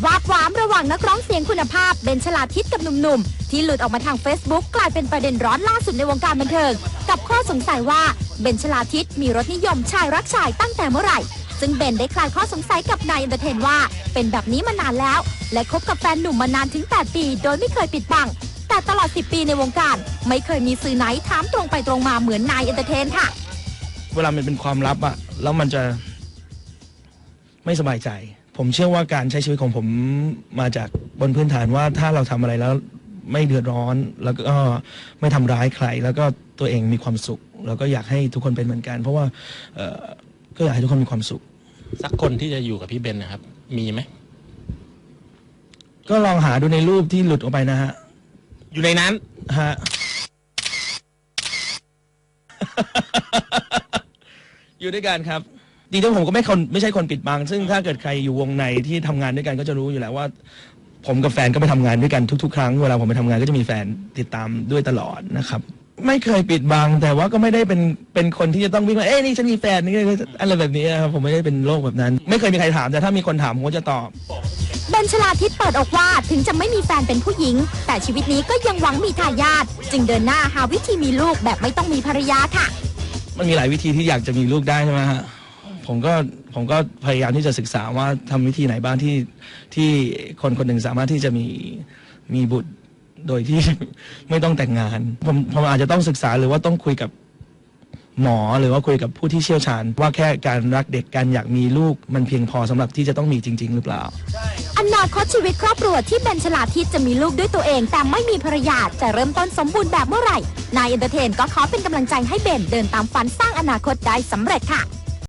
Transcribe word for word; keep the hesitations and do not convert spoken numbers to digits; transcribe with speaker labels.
Speaker 1: วาบหวามระหว่างนักร้องเสียงคุณภาพเบนชลาทิศกับหนุ่มๆที่หลุดออกมาทาง Facebook กลายเป็นประเด็นร้อนล่าสุดในวงการบันเทิงกับข้อสงสัยว่าเบนชลาทิศมีรสนิยมชายรักชายตั้งแต่เมื่อไหร่ซึ่งเบนได้คลายข้อสงสัยกับนายเอนเตอร์เทนว่าเป็นแบบนี้มานานแล้วและคบกับแฟนหนุ่มมานานถึงแปดปีโดยไม่เคยปิดบังแต่ตลอดสิบปีในวงการไม่เคยมีสื่อไหนถามตรงไปตรงมาเหมือนนายเอนเตอร์เทนค่ะ
Speaker 2: เวลามันเป็นความลับอะแล้วมันจะไม่สบายใจผมเชื่อว่าการใช้ชีวิตของผมมาจากบนพื้นฐานว่าถ้าเราทำอะไรแล้วไม่เดือดร้อนแล้วก็ไม่ทำร้ายใครแล้วก็ตัวเองมีความสุขแล้วก็อยากให้ทุกคนเป็นเหมือนกันเพราะว่าก็อยากให้ทุกคนมีความสุข
Speaker 3: สักคนที่จะอยู่กับพี่เบนนะครับมีไหม
Speaker 2: ก็ลองหาดูในรูปที่หลุดออกไปนะฮะ
Speaker 3: อยู่ในนั้น
Speaker 2: ฮะ อยู่ด้วยกันครับจริงๆผมก็ไม่คนไม่ใช่คนปิดบังซึ่งถ้าเกิดใครอยู่วงในที่ทำงานด้วยกันก็จะรู้อยู่แล้วว่าผมกับแฟนก็ไปทำงานด้วยกันทุกๆครั้งเวลาผมไปทำงานก็จะมีแฟนติดตามด้วยตลอดนะครับไม่เคยปิดบังแต่ว่าก็ไม่ได้เป็นเป็นคนที่จะต้องวิ่งว่าเอ้ยนี่ฉันมีแฟนนี่อะไรแบบนี้นะครับผมไม่ได้เป็นโรคแบบนั้นไม่เคยมีใครถามแต่ถ้ามีคนถามผมก็จะตอบ
Speaker 1: เบนชลาทิศเปิดอกว่าถึงจะไม่มีแฟนเป็นผู้หญิงแต่ชีวิตนี้ก็ยังหวังมีทายาทจึงเดินหน้าหาวิธีมีลูกแบบไม่ต้องมีภรรยาค่ะ
Speaker 2: มันมีหลายวิธีที่อยากจะมีลูกได้ใช่ไหมฮะผมก็ผมก็พยายามที่จะศึกษาว่าทำวิธีไหนบ้างที่ที่คนคนหนึ่งสามารถที่จะมีมีบุตรโดยที่ไม่ต้องแต่งงานผมผมอาจจะต้องศึกษาหรือว่าต้องคุยกับหมอหรือว่าคุยกับผู้ที่เชี่ยวชาญว่าแค่การรักเด็กการอยากมีลูกมันเพียงพอสำหรับที่จะต้องมีจริงๆหรือเปล่า
Speaker 1: อนาคตชีวิตครอบครัวที่เบนชลาทิศจะมีลูกด้วยตัวเองแต่ไม่มีภรรยาจะเริ่มต้นสมบูรณ์แบบเมื่อไหร่นายเอนเตอร์เทนก็ขอเป็นกำลังใจให้เบนเดินตามฝันสร้างอนาคตได้สำเร็จค่ะ